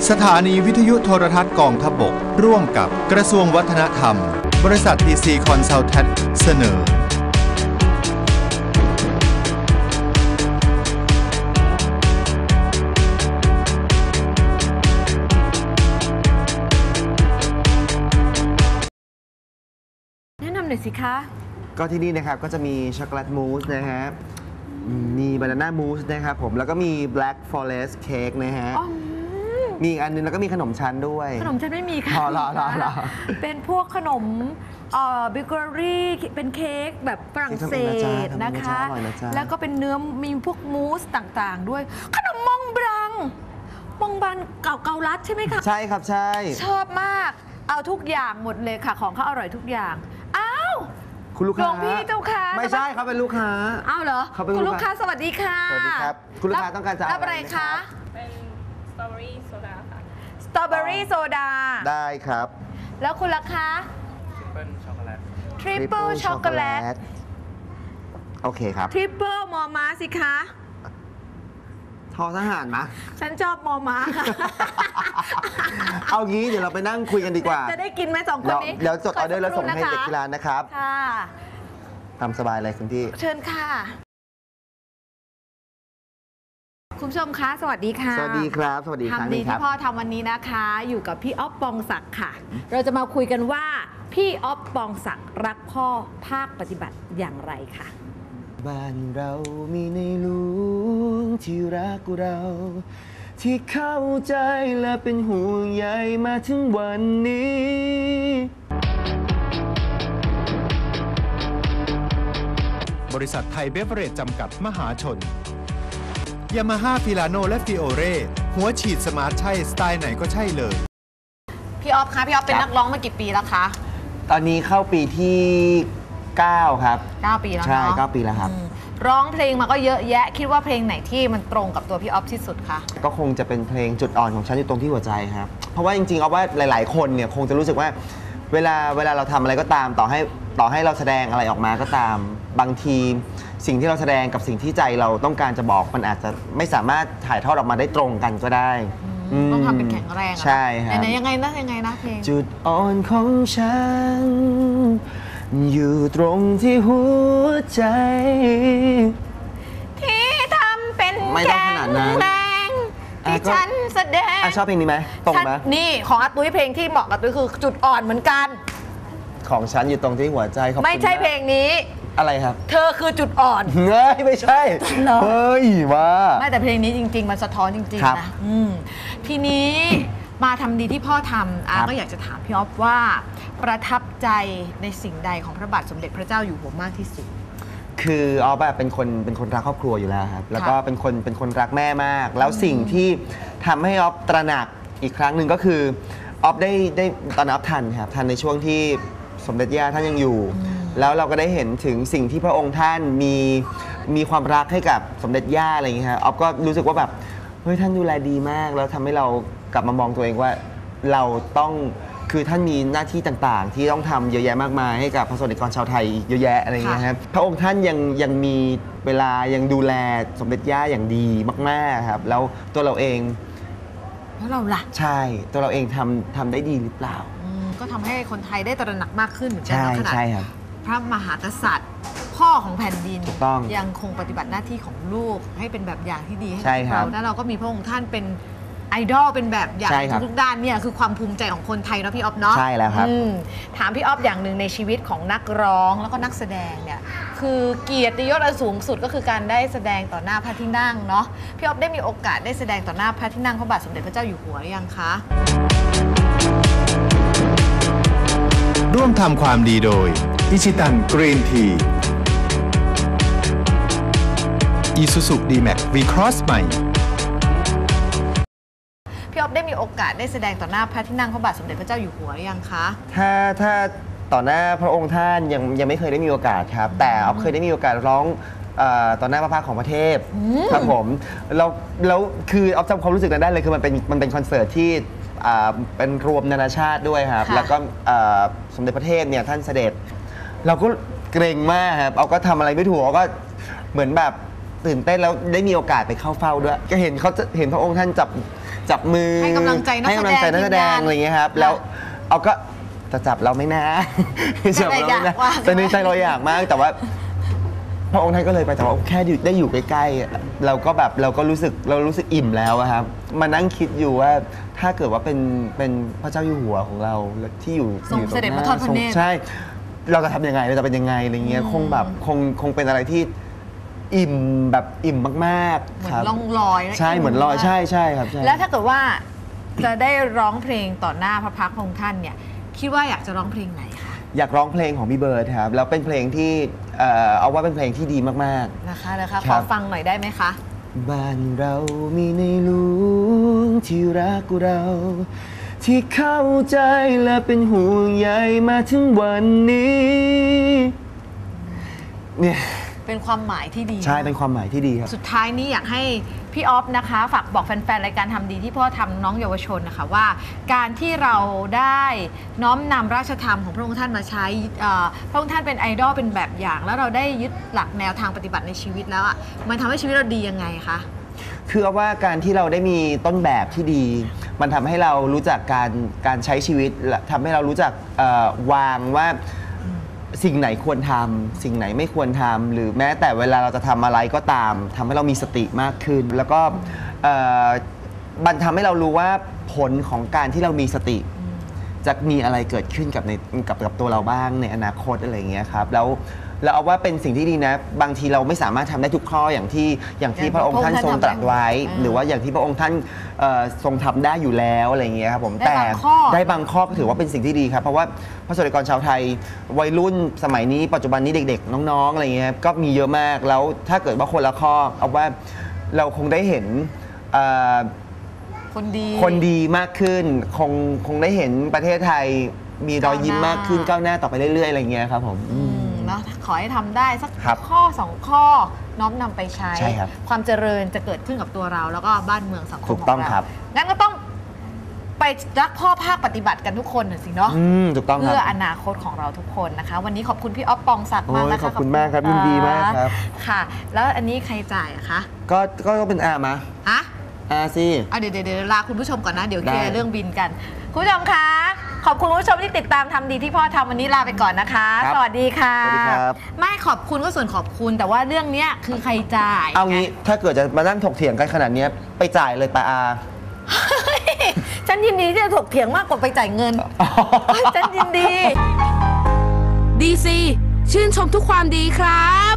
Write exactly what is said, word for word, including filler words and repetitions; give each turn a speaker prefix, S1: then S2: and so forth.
S1: สถานีวิทยุโทรทัศน์กองทัพบกร่วมกับกระทรวงวัฒนธรรมบริษัท ที ซี Consultant เสนอ
S2: แนะนำหน่อยสิคะ
S3: ก็ที่นี่นะครับก็จะมีช็อกโกแลตมูสนะฮะมีบานาน่ามูสนะครับผมแล้วก็มี Black Forest Cake นะฮะมีอีกอันนึงแล้วก็มีขนมชั้นด้วย
S2: ขนมชั้นไม่มีค่ะ
S3: รอรอรอรอ
S2: เป็นพวกขนมเอ่อเบเกอรี่เป็นเค้กแบบฝรั่งเศสนะคะแล้วก็เป็นเนื้อมีพวกมูสต่างๆด้วยขนมมองบรังมองบรังเก่าเกาลัดใช่ไหมคะ
S3: ใช่ครับใช่
S2: ชอบมากเอาทุกอย่างหมดเลยค่ะของเขาอร่อยทุกอย่างอ้าว
S3: คุณลูกค้า
S2: หลวงพี่เจ้าค่ะ
S3: ไม่ใช่เขาเป็นลูกค้า
S2: อ้าวเหรอคุณลูกค้าสวัสดีค่ะ
S3: สวัสดีครับคุณลูกค้าต้องการจะ
S2: รับอะไรคะ
S4: เป็นสตรอเบอรี่โซดาค่ะ
S2: สตรอเบอรี่โซดา
S3: ได้ครับ
S2: แล้วคุณล่ะคะ
S4: ทริปเปิลช็อกโกแลต
S2: ทริปเปิลช็อกโกแลต
S3: โอเคครับ
S2: ทริปเปิลมอม้าสิคะ
S3: ทอทหารมะ
S2: ฉันชอบมอม้าค่ะ
S3: เอางี้เดี๋ยวเราไปนั่งคุยกันดีกว่า
S2: จะได้กินไหมสองคนนี้
S3: เดี๋ยวจดออเดอร์แล้วส่งให้เด็กที่ร้านนะครับ
S2: ค่ะ
S3: ตามสบายเลยคุณพี่
S2: เชิญค่ะคุณผู้ชมคะสวัสดีค่ะ
S3: สวัสดีครับสวัสดีครับ
S2: ทำดีที่พ่อทำวันนี้นะคะอยู่กับพี่อ๊อฟปองศักดิ์ค่ะเราจะมาคุยกันว่าพี่อ๊อฟปองศักดิ์รักพ่อภาคปฏิบัติอย่างไรค่ะ
S3: บ้านเรามีในหลวงที่รักเราที่เข้าใจและเป็นห่วงใยมาถึงวันนี้
S1: บริษัทไทยเบเวอเรจจำกัดมหาชนยามาฮ่าฟิลาโนและฟิโอเร่หัวฉีดสมาร์ทใช่สไตล์ไหนก็ใช่เลย
S2: พี่อ๊อฟคะพี่อ๊อฟเป็นนักร้องมากี่ปีแล้วคะ
S3: ตอนนี้เข้าปีที่เก้าครับ
S2: เก้าปีแล้วเนาะ
S3: ใช่เก้าปีแล้วครับ
S2: ร้องเพลงมาก็เยอะแยะคิดว่าเพลงไหนที่มันตรงกับตัวพี่อ๊อฟที่สุดคะ
S3: ก็คงจะเป็นเพลงจุดอ่อนของฉันอยู่ตรงที่หัวใจครับเพราะว่าจริงๆเอาว่าหลายๆคนเนี่ยคงจะรู้สึกว่าเวลาเวลาเราทำอะไรก็ตามต่อให้ต่อให้เราแสดงอะไรออกมาก็ตามบางทีสิ่งที่เราแสดงกับสิ่งที่ใจเราต้องการจะบอกมันอาจจะไม่สามารถถ่ายทอดออกมาได้ตรงกันก็ได้
S2: ต้องทำเป็นแข็งแรง
S3: ใช่ครับ
S2: ไหนยังไงนะยังไงนะเพลง
S3: จุดอ่อนของฉันอยู่ตรงที่หัวใจ
S2: ที่ทำเป็น
S3: ไม่ต้องขนาดนั้น
S2: ที่ฉันแสดง
S3: ชอบเพลงนี้ไหมตรงไหม
S2: นี่ของอาตุ้ยเพลงที่เหมาะกับตุ้ยคือจุดอ่อนเหมือนกัน
S3: ของฉันอยู่ตรงที่หัวใจ
S2: ไม่ใช่เพลงนี้
S3: อะไรครับ
S2: เธอคือจุดอ่อน
S3: เฮ้ยไม่ใช่เฮ้ยว่า
S2: ไม่แต่เพลงนี้จริงๆมันสะท้อนจริงๆนะทีนี้มาทำดีที่พ่อทำอาก็อยากจะถามพี่อ๊อฟว่าประทับใจในสิ่งใดของพระบาทสมเด็จพระเจ้าอยู่หัวมากที่สุด
S3: คืออ๊อฟเป็นคนเป็นคนรักครอบครัวอยู่แล้วครับแล้วก็เป็นคนเป็นคนรักแม่มากแล้วสิ่งที่ทำให้อ๊อฟตระหนักอีกครั้งหนึ่งก็คืออ๊อฟได้ได้ตอนอ๊อฟทันครับทันในช่วงที่สมเด็จย่าท่านยังอยู่แล้วเราก็ได้เห็นถึงสิ่งที่พระองค์ท่านมีมีความรักให้กับสมเด็จย่าอะไรอย่างเงี้ยครับอ๊อฟก็รู้สึกว่าแบบเฮ้ยท่านดูแลดีมากแล้วทำให้เรากลับมามองตัวเองว่าเราต้องคือท่านมีหน้าที่ต่างๆที่ต้องทำเยอะแยะมากมายให้กับพระสงฆ์นิกรชาวไทยเยอะแยะอะไรอย่างเงี้ยครับพระองค์ท่านยังยังมีเวลายังดูแลสมเด็จย่าอย่างดีมากๆครับแล้วตัวเราเอง
S2: แล้วเราล่ะ
S3: ใช่ตัวเราเองทำทำได้ดีหรือเปล่า
S2: ก็ทำให้คนไทยได้ตระหนักมากขึ้นเหมือนกันขนาดพระมหากษัตริย์พ่อของแผ่นดินยังคงปฏิบัติหน้าที่ของลูกให้เป็นแบบอย่างที่ดีให้เราแล้วเราก็มีพระองค์ท่านเป็นไอดอลเป็นแบบอย่างทุกด้านเนี่ยคือความภูมิใจของคนไทยเนาะพี่อ๊อฟเนาะ
S3: ใช่แล้วครับ
S2: ถามพี่อ๊อฟอย่างหนึ่งในชีวิตของนักร้องแล้วก็นักแสดงเนี่ยคือเกียรติยศอันสูงสุดก็คือการได้แสดงต่อหน้าพระที่นั่งเนาะพี่อ๊อฟได้มีโอกาสได้แสดงต่อหน้าพระที่นั่งพระบาทสมเด็จพระเจ้าอยู่หัวหรือยังคะ
S1: ร่วมทำความดีโดยอิชิตันกรีนทีอีซูซูดีแม็กซ์วีครอสใหม่
S2: พี่อ๊อฟได้มีโอกาสได้แสดงต่อหน้าพระที่นั่งพระบาทสมเด็จพระเจ้าอยู่หัวหรือยังคะ
S3: ถ้าถ้าต่อหน้าพระองค์ท่านยังยังไม่เคยได้มีโอกาสครับแต่อ๊อฟเคยได้มีโอกาสร้องต่อหน้าพระพักของพระเทพครับผมแล้วแล้วคืออ๊อฟจำความรู้สึกนั้นได้เลยคือมันเป็นมันเป็นคอนเสิร์ตที่เป็นรวมนานาชาติด้วยครับแล้วก็สมเด็จพระเทพเนี่ยท่านเสด็จเราก็เกรงมากครับเอาก็ทำอะไรไม่ถูกเอาก็เหมือนแบบตื่นเต้นแล้วได้มีโอกาสไปเข้าเฝ้าด้วยก็เห็นเขาเห็นพระองค์ท่านจับจับมือ
S2: ให้กำลังใจนักแสดง
S3: ให้กำลังใจนักแสดงอะไรอย่างเงี้ยครับแล้วเอาก็จะจับเราไม่นะจับเราไม่นะแต่ในใจเราอยากมากแต่ว่าพระองค์ท่านก็เลยไปแต่ว่าแค่ได้อยู่ใกล้ๆเราก็แบบเราก็รู้สึกเรารู้สึกอิ่มแล้วครับมานั่งคิดอยู่ว่าถ้าเกิดว่าเป็นเป็นพระเจ้าอยู่หัวของเราที่อยู่
S2: ทรงเสด็จมาทอดพระเนตร
S3: ใช่เราจะทำยังไงเราจะเป็นยังไงอะไรเงี้ยคงแบบคงคงเป็นอะไรที่อิ่มแบบอิ่มมากๆ
S2: เหมือ
S3: ครั
S2: น
S3: บ
S2: ล่องลอย
S3: ใช่เหมือนลอยใช่ใช่ครับใช่
S2: แล้วถ้าเกิดว่าจะได้ร้องเพลงต่อหน้าพระพักตร์ของท่านเนี่ยคิดว่าอยากจะร้องเพลงไหนคะ
S3: อยากร้องเพลงของพี่เบิร์ดครับแล้วเป็นเพลงที่เอ่อเอาว่าเป็นเพลงที่ดีมากๆ
S2: นะคะนะคะ
S3: ค
S2: ข
S3: รั
S2: อบ ฟังหน่อยได้ไหมคะ
S3: บ้านเรามีในหลวงที่รักเราที่เข้าใจและเป็นห่วงใยมาถึงวันนี้เนี่ย
S2: เป็นความหมายที่ดี
S3: ใช่เป็นความหมายที่ดีครับ
S2: สุดท้ายนี้อยากให้พี่ออฟนะคะฝากบอกแฟนๆรายการทำดีที่พ่อทำน้องเยาวชนนะคะว่าการที่เราได้น้อมนำราชธรรมของพระองค์ท่านมาใช้พระองค์ท่านเป็นไอดอลเป็นแบบอย่างแล้วเราได้ยึดหลักแนวทางปฏิบัติในชีวิตแล้วอ่ะมันทำให้ชีวิตเราดียังไงคะ
S3: คือเอาว่าการที่เราได้มีต้นแบบที่ดีมันทำให้เรารู้จักการการใช้ชีวิตทำให้เรารู้จักวางว่าสิ่งไหนควรทำสิ่งไหนไม่ควรทำหรือแม้แต่เวลาเราจะทำอะไรก็ตามทำให้เรามีสติมากขึ้นแล้วก็มันทำให้เรารู้ว่าผลของการที่เรามีสติจะมีอะไรเกิดขึ้นกับในกับกับตัวเราบ้างในอนาคตอะไรอย่างเงี้ยครับแล้วเราเอาว่าเป็นสิ่งที่ดีนะบางทีเราไม่สามารถทำได้ทุกข้ออย่างที่อย่างที่พระองค์ท่านทรงตรัสไว้หรือว่าอย่างที่พระองค์ท่านทรงทำได้อยู่แล้วอะไรอย่างเงี้ยครับผมแต่ได้บางข้อก็ถือว่าเป็นสิ่งที่ดีครับเพราะว่าพระสงฆ์นิกรชาวไทยวัยรุ่นสมัยนี้ปัจจุบันนี้เด็กๆน้องๆอะไรเงี้ยก็มีเยอะมากแล้วถ้าเกิดว่าคนละข้อเอาว่าเราคงได้เห็น
S2: คนดี
S3: คนดีมากขึ้นคงคงได้เห็นประเทศไทยมีรอยยิ้มมากขึ้นก้าวหน้าต่อไปเรื่อยๆอะไรเงี้ยครับผม
S2: นะขอให้ทำได้สักข้อสองข้อน้อมนำไปใช้ความเจริญจะเกิดขึ้นกับตัวเราแล้วก็บ้านเมืองสังคมของเรางั้นก็ต้องไปรักพ่อภาคปฏิบัติกันทุกคนหน่อยสิเนาะเพื่ออนาคตของเราทุกคนนะคะวันนี้ขอบคุณพี่อ๊อฟปองศักดิ์มากนะคะ
S3: ขอบคุณมากครับยินดีมากครับ
S2: ค่ะแล้วอันนี้ใครจ่ายอะคะ
S3: ก็ก็ต้องเป็นอามา
S2: ฮะ
S3: อาสิ
S2: เดี๋ยวเดี๋ยวลาคุณผู้ชมก่อนนะเดี๋ยวเคลียร์เรื่องบินกันคุณผู้ชมคะขอบคุณคุณผู้ชมที่ติดตามทำดีที่พ่อทำวันนี้ลาไปก่อนนะคะสวัสดีค่ะ
S3: สวัสดีครับ
S2: ไม่ขอบคุณก็ส่วนขอบคุณแต่ว่าเรื่องนี้คือใครจ่าย
S3: เอางี้ถ้าเกิดจะมานั่งถกเถียงกันขนาดนี้ไปจ่ายเลยป้าอา
S2: ฉันยินดีที่จะถกเถียงมากกว่าไปจ่ายเงินฉันยินดี
S5: ดีซีชื่นชมทุกความดีครับ